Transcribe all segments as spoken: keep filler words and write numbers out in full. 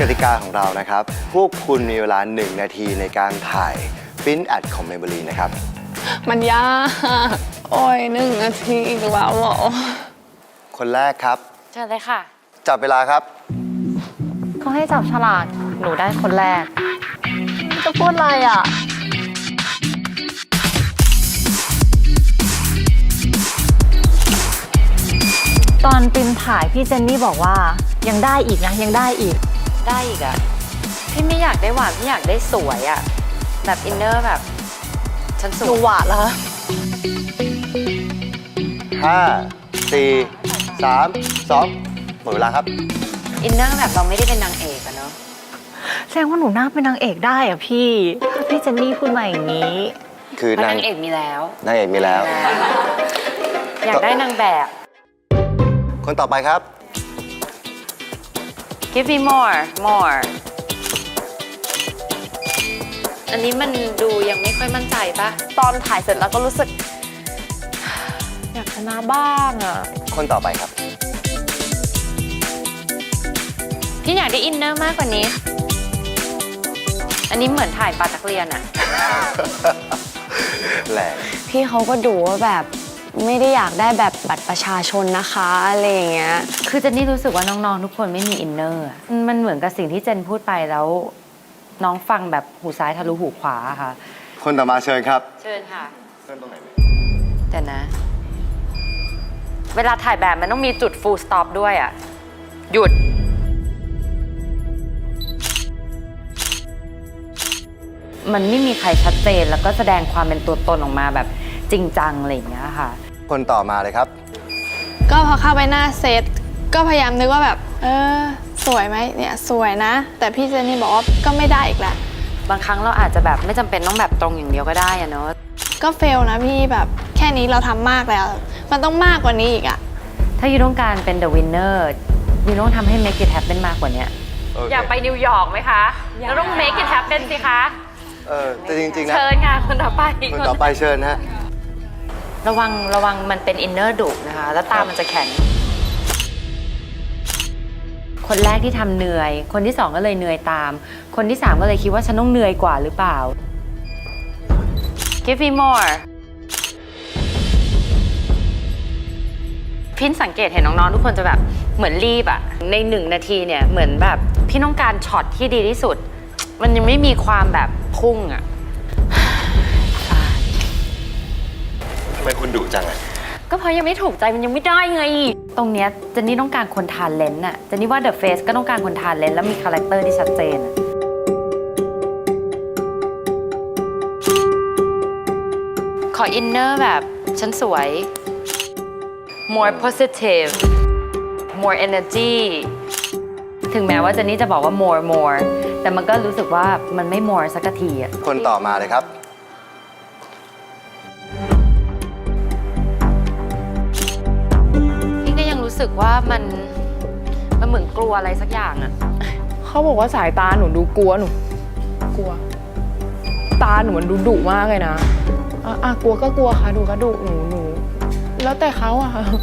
ติกาของเรานะครับพวกคุณมีเวลาหนึ่งนาทีในการถ่ายปิ้นแอดของ Maybelline นะครับมันยากโอ้ยหนึ่งนาทีอีกแล้วเหรอคนแรกครับเชิญเลยค่ะจับเวลาครับเขาให้จับฉลากหนูได้คนแรกจะพูดอะไรอ่ะตอนปิมถ่ายพี่เจนนี่บอกว่ายังได้อีกนะยังได้อีกได้อีกอ่ะพี่ไม่อยากได้หวานพี่อยากได้สวยอ่ะแบบอินเนอร์แบบฉันสวยดูหวานแล้วห้าสี่สามสองหมดเวลาครับอินเนอร์แบบเราไม่ได้เป็นนางเอกอะเนาะแสดงว่าหนูน่าเป็นนางเอกได้อะพี่พี่เจนนี่พูดมาอย่างนี้คือนางเอกมีแล้วนางเอกมีแล้วอยากได้นางแบบคนต่อไปครับ Give me more more อันนี้มันดูยังไม่ค่อยมั่นใจปะตอนถ่ายเสร็จแล้วก็รู้สึกอยากชนะบ้างอะคนต่อไปครับพี่อยากได้อินเนอร์มากกว่านี้อันนี้เหมือนถ่ายปาตักเรียนอะแหละพี่เขาก็ดูว่าแบบไม่ได้อยากได้แบบบัตรประชาชนนะคะอะไรอย่างเงี้ยคือเจนนี่รู้สึกว่าน้องๆทุกคนไม่มีอินเนอร์มันเหมือนกับสิ่งที่เจนพูดไปแล้วน้องฟังแบบหูซ้ายทะลุหูขวาค่ะคนต่อมาเชิญครับเชิญค่ะเชิญตรงไหนแต่นะเวลาถ่ายแบบมันต้องมีจุด full stop ด้วยอะหยุดมันไม่มีใครชัดเจนแล้วก็แสดงความเป็นตัวตนออกมาแบบจริงจังอะไรอย่างเงี้ยค่ะคนต่อมาเลยครับก็พอเข้าไปหน้าเซตก็พยายามนึกว่าแบบเออสวยไหมเนี่ยสวยนะแต่พี่เจนนี่บอกว่าก็ไม่ได้อีกแหละบางครั้งเราอาจจะแบบไม่จำเป็นต้องแบบตรงอย่างเดียวก็ได้อะเนาะก็เฟลนะพี่แบบแค่นี้เราทำมากแล้วมันต้องมากกว่านี้อีกอะถ้ายูต้องการเป็น the winner ยูต้องทำให้ make it happen มากกว่านี้ okay. อยากไปนิวยอร์กไหมคะเราต้อง make it happen สิคะเออแต่จริงๆนะเชิญค่ะคนต่อไปคนต่อไปเชิญฮะระวังระวังมันเป็นอินเนอร์ดุนะคะแล้วตามันจะแข็งคนแรกที่ทำเหนื่อยคนที่สองก็เลยเหนื่อยตามคนที่สามก็เลยคิดว่าฉันต้องเหนื่อยกว่าหรือเปล่า Give me more พินสังเกตเห็นน้องๆทุกคนจะแบบเหมือนรีบอะในหนึ่งนาทีเนี่ยเหมือนแบบพี่ต้องการช็อตที่ดีที่สุดมันยังไม่มีความแบบพุ่งอะทำไมคุณดุจังอะก็เพราะยังไม่ถูกใจมันยังไม่ได้ไงตรงเนี้ยเจนนี่ต้องการคนทานเลนส์อะเจนนี่ว่าเดอะเฟสก็ต้องการคนทานเลนส์แล้วมีคาแรคเตอร์ที่ชัดเจนขออินเนอร์แบบฉันสวย more positive more energy ถึงแม้ว่าเจนนี่จะบอกว่า more more แต่มันก็รู้สึกว่ามันไม่ more สักทีอะคนต่อมาเลยครับรู้สึกว่ามันมันเหมือนกลัวอะไรสักอย่างอะเขาบอกว่าสายตาหนูดูกลัวหนูกลัวตาหนูมันดูดุมากเลยนะอ่ะกลัวก็กลัวค่ะดูก็ดุหนูหนูแล้วแต่เขาอะค่ะ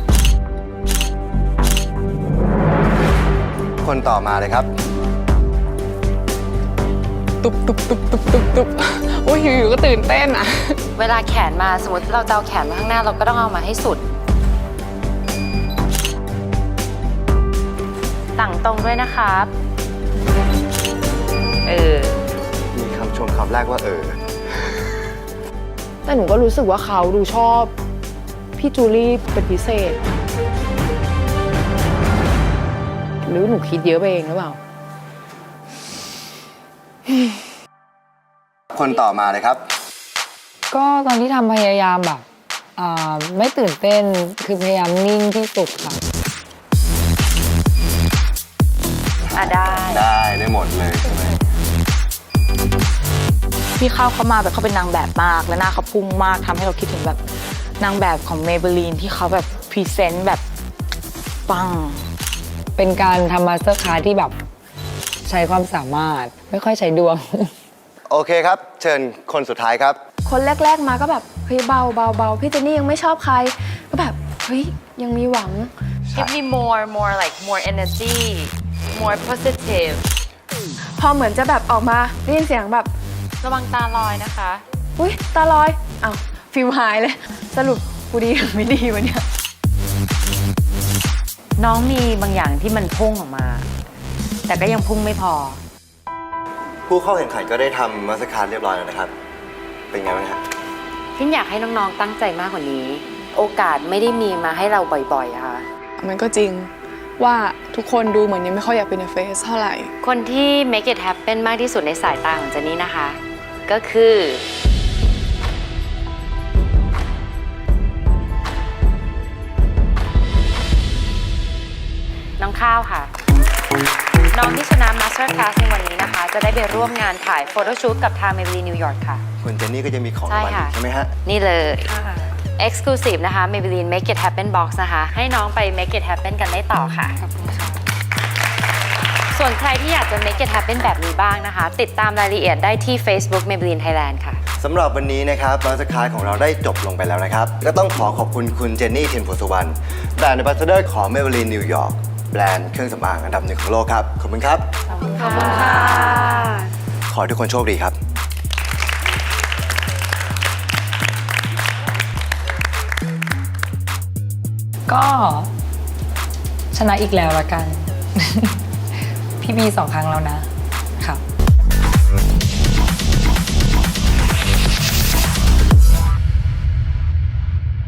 คนต่อมาเลยครับตุบตุบตุบตุบตุบตุบโอ้ยอยู่ๆก็ตื่นเต้นอะเวลาแขนมาสมมติเราจะเอาแขนมาข้างหน้าเราก็ต้องเอามาให้สุดต่างตรงด้วยนะครับเออมีคำชมคำแรกว่าเออแต่หนูก็รู้สึกว่าเขาดูชอบพี่จูลี่เป็นพิเศษหรือหนูคิดเยอะไปเองหรือเปล่าคนต่อมาเลยครับก็ตอนที่ทำพยายามแบบไม่ตื่นเต้นคือพยายามนิ่งที่สุดค่ะได้ได้ได้หมดเลยใช่ไหมพี่เข้าเขามาแบบเขาเป็นนางแบบมากและหน้าเขาพุ่งมากทำให้เราคิดถึงแบบนางแบบของ Maybelline ที่เขาแบบพรีเซนต์แบบปังเป็นการทำมาสเตอร์คลาสที่แบบใช้ความสามารถไม่ค่อยใช้ดวงโอเคครับเชิญคนสุดท้ายครับคนแรกๆมาก็แบบเฮ้ยเบาเบาเบาพี่เจนนี่ยังไม่ชอบใครก็แบบเฮ้ยยังมีหวัง Give me more more like more energy more positive พอเหมือนจะแบบออกมาได้ยินเสียงแบบระวังตาลอยนะคะอุ้ยตาลอยอ้าวฟิลหายเลย สรุปกูดีหรือไม่ดีวะเนี่ยน้องมีบางอย่างที่มันพุ่งออกมา แต่ก็ยังพุ่งไม่พอผู้เข้าแข่งขันก็ได้ทำมาสเตอร์คาร์ดเรียบร้อยแล้วนะครับ เป็นไงบ้างครับพินอยากให้น้องๆตั้งใจมากกว่านี้ โอกาสไม่ได้มีมาให้เราบ่อยๆอะค่ะมันก็จริงว่าทุกคนดูเหมือนยังไม่ค่อยอยากเป็นเฟสเท่าไหร่คนที่ make it happen มากที่สุดในสายตาของเจนนี่นะคะ ก็คือน้องข้าวค่ะ น้องที่ชนะ Master Class ในวันนี้นะคะ จะได้ไปร่วมงานถ่ายโฟโต้ชูตกับทาง Maybelline New York ค่ะคุณเจนนี่ก็จะมีของใช่รางวัลค่ะอีกใช่ไหมฮะนี่เลย Exclusive นะคะ Maybelline Make It Happen Box นะคะ ให้น้องไป Make It Happen กันได้ต่อค่ะ ส่วนใครที่อยากจะ Make It Happen แบบนี้บ้างนะคะ ติดตามรายละเอียดได้ที่ Facebook Maybelline Thailand ค่ะสำหรับวันนี้นะครับมาสเตอร์คาร์ดของเราได้จบลงไปแล้วนะครับ ก็ต้องขอขอบคุณคุณเจนนี่เทียนโพสุวรรณแบรนด์ Ambassador ของ Maybelline New York แบรนด์เครื่องสำอางอันดับหนึ่งของโลกครับ ขอบคุณครับขอบคุณค่ะขอให้ทุกคนโชคดีครับก็ชนะอีกแล้วละกัน พี่บีสองครั้งแล้วนะ ค่ะ